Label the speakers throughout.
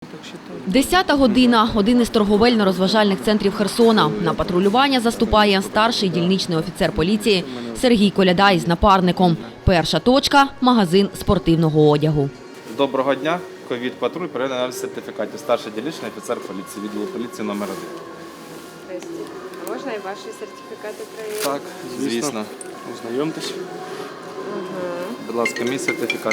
Speaker 1: 10-та година. Один із торговельно-розважальних центрів Херсона. На патрулювання заступає старший дільничний офіцер поліції Сергій Коляда із напарником. Перша точка – магазин спортивного одягу.
Speaker 2: Доброго дня. Ковід-патруль, перевіряє аналіз сертифікатів. Старший дільничний офіцер поліції, відділу поліції номер 1.
Speaker 3: Здрасте. А можна і ваші сертифікати перевірити?
Speaker 2: Так, звісно.
Speaker 4: Ознайомтесь.
Speaker 2: Будь ласка, мій сертифікат.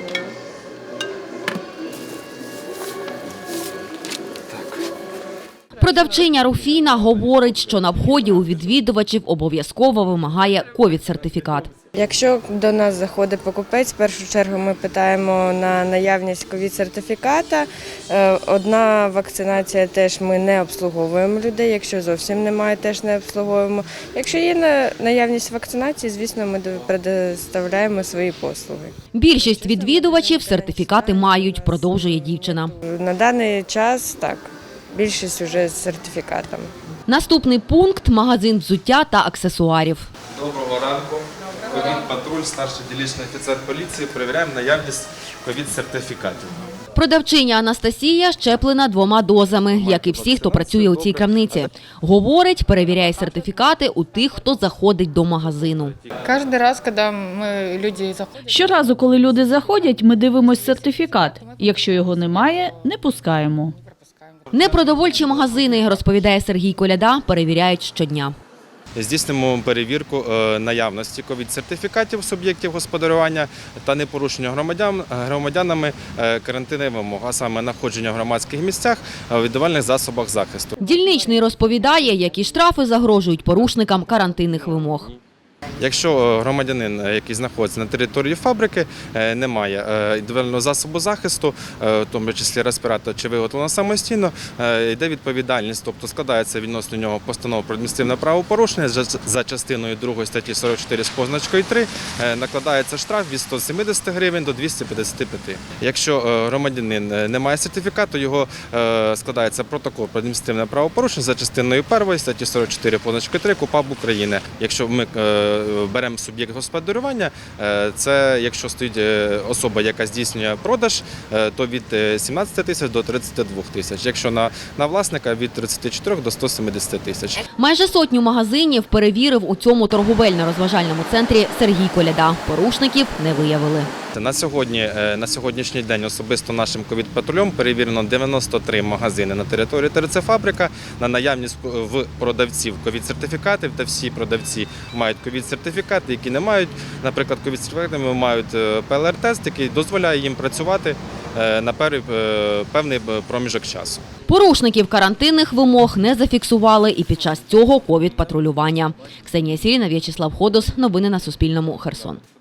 Speaker 1: Продавчиня Руфіна говорить, що на вході у відвідувачів обов'язково вимагає ковід-сертифікат.
Speaker 3: Якщо до нас заходить покупець, в першу чергу ми питаємо на наявність ковід-сертифіката. Одна вакцинація теж ми не обслуговуємо людей, якщо зовсім немає, теж не обслуговуємо. Якщо є наявність вакцинації, звісно, ми предоставляємо свої послуги.
Speaker 1: Більшість відвідувачів сертифікати мають, продовжує дівчина.
Speaker 3: На даний час так, більшість вже з сертифікатами.
Speaker 1: Наступний пункт – магазин взуття та аксесуарів.
Speaker 2: Доброго ранку. Ковід-патруль, старший дільничний офіцер поліції. Перевіряємо наявність ковід-сертифікатів.
Speaker 1: Продавчиня Анастасія щеплена 2 дозами, як і всі, хто працює у цій крамниці. Говорить, перевіряє сертифікати у тих, хто заходить до магазину.
Speaker 5: Кожен раз, коли люди заходять.
Speaker 6: Щоразу, коли люди заходять, ми дивимося сертифікат. Якщо його немає, не пускаємо.
Speaker 1: Непродовольчі магазини, розповідає Сергій Коляда, перевіряють щодня.
Speaker 2: Здійснимо перевірку наявності ковід-сертифікатів суб'єктів господарювання та непорушення громадянами карантинних вимог, а саме знаходження в громадських місцях, в індивідуальних засобах захисту.
Speaker 1: Дільничний розповідає, які штрафи загрожують порушникам карантинних вимог.
Speaker 2: Якщо громадянин, який знаходиться на території фабрики, не має індивідуального засобу захисту, в тому числі респіратор, чи виготовлено самостійно, йде відповідальність, тобто складається відносно нього постанова про адміністративне правопорушення за частиною 2 статті 44 з позначкою 3, накладається штраф від 170 гривень до 255. Якщо громадянин не має сертифікату, його складається протокол про адміністративне правопорушення за частиною 1 статті 44 позначкою 3 КУпАП України. Якщо ми беремо суб'єкт господарювання, це якщо стоїть особа, яка здійснює продаж, то від 17 тисяч до 32 тисяч. Якщо на власника – від 34 до 170 тисяч.
Speaker 1: Майже 100 магазинів перевірив у цьому торговельно-розважальному центрі Сергій Коляда. Порушників не виявили.
Speaker 2: На сьогоднішній день особисто нашим ковід-патрулем перевірено 93 магазини на території ТРЦ «Фабрика» на наявність в продавців ковід-сертифікатів, та всі продавці мають ковід-сертифікати, які не мають, наприклад, ковід-сертифікати, мають ПЛР-тест, який дозволяє їм працювати на певний проміжок часу.
Speaker 1: Порушників карантинних вимог не зафіксували і під час цього ковід-патрулювання. Ксенія Сіріна, В'ячеслав Ходос. Новини на Суспільному. Херсон.